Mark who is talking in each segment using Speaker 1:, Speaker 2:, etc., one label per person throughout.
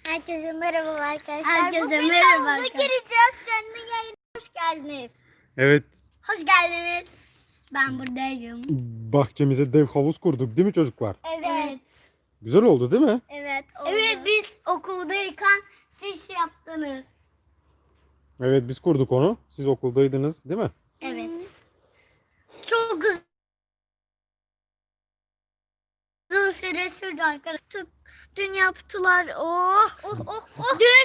Speaker 1: Herkese merhaba arkadaşlar.
Speaker 2: Herkese
Speaker 1: Bugün
Speaker 2: merhaba
Speaker 1: havuza
Speaker 2: arkadaşlar.
Speaker 1: gireceğiz. Canlı yayına hoş geldiniz.
Speaker 3: Evet,
Speaker 2: Hoş geldiniz. Ben buradayım.
Speaker 3: bahçemize dev havuz kurduk değil mi çocuklar?
Speaker 1: Evet.
Speaker 3: Güzel oldu değil mi?
Speaker 1: Evet. Oldu.
Speaker 2: Evet, biz okuldayken siz yaptınız.
Speaker 3: Evet, biz kurduk onu. Siz okuldaydınız değil mi?
Speaker 2: Evet. Çok uzun süre sürdü arkadaşlar.
Speaker 1: Dün yaptılar. Oh.
Speaker 2: Dün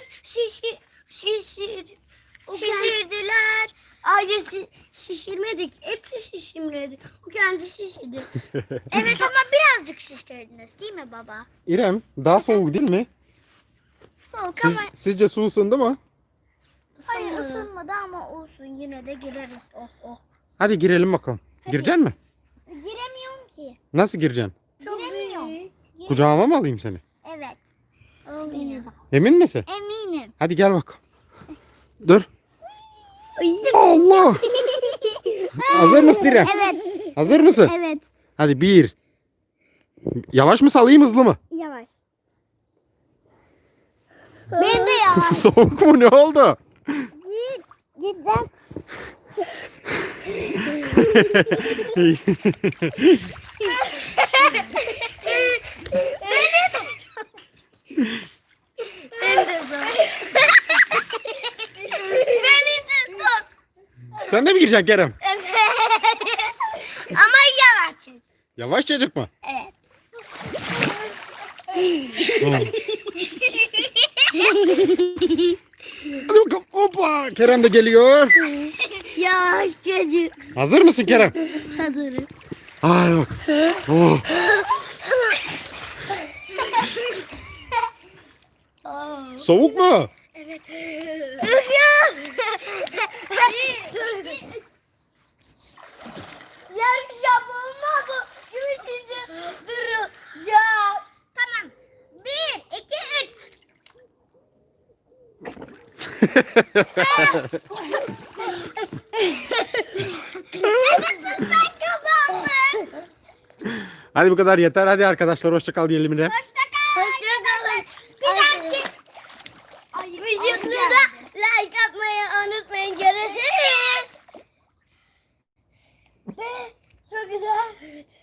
Speaker 2: şişirdiler. Ailesi şişirmedik. Hepsi şişirmedi. O kendi şişirdi.
Speaker 1: Evet ama birazcık şişirdiniz değil mi baba?
Speaker 3: İrem, daha soğuk değil mi?
Speaker 1: Soğuk
Speaker 3: Siz,
Speaker 1: ama
Speaker 3: sizce su ısındı mı?
Speaker 1: hayır ısınmadı ama olsun yine de gireriz. Oh.
Speaker 3: Hadi girelim bakalım. Gireceksin mi?
Speaker 1: Giremiyorum ki.
Speaker 3: Nasıl gireceksin?
Speaker 2: Çok
Speaker 1: Giremiyorum.
Speaker 2: büyük.
Speaker 3: Kucağıma mı alayım seni?
Speaker 1: Evet.
Speaker 3: Emin misin?
Speaker 1: Eminim.
Speaker 3: Hadi gel bakalım. Dur. Allah! Hazır mısın İrem?
Speaker 1: Evet.
Speaker 3: Hazır mısın?
Speaker 1: Evet.
Speaker 3: Hadi bir. Yavaş mı salayım hızlı mı?
Speaker 1: Yavaş. Ben de yavaş.
Speaker 3: Soğuk mu ne oldu?
Speaker 1: Gideceğim.
Speaker 2: Beni de sok.
Speaker 3: Sen de mi gireceksin Kerem?
Speaker 2: Ama yavaş.
Speaker 3: Yavaşçacık mı?
Speaker 2: Evet.
Speaker 3: Hadi bakalım. Hoppa. Kerem de geliyor.
Speaker 2: Yavaş çocuk.
Speaker 3: Hazır mısın Kerem?
Speaker 2: Hazırım.
Speaker 3: Hadi bak. Oh. Soğuk mu?
Speaker 2: Yarışacağım olmadı. Durun. Ya.
Speaker 1: Tamam. 1, 2, 3. Ben kazandım.
Speaker 3: Hadi bu kadar yeter. Hadi arkadaşlar hoşça kal diyelim yine.
Speaker 1: Hoşçakal.
Speaker 2: Hoşçakalın.
Speaker 1: Bir dahaki.
Speaker 2: Videomuza like atmayı unutmayın. Görüşürüz. Çok güzel. Evet.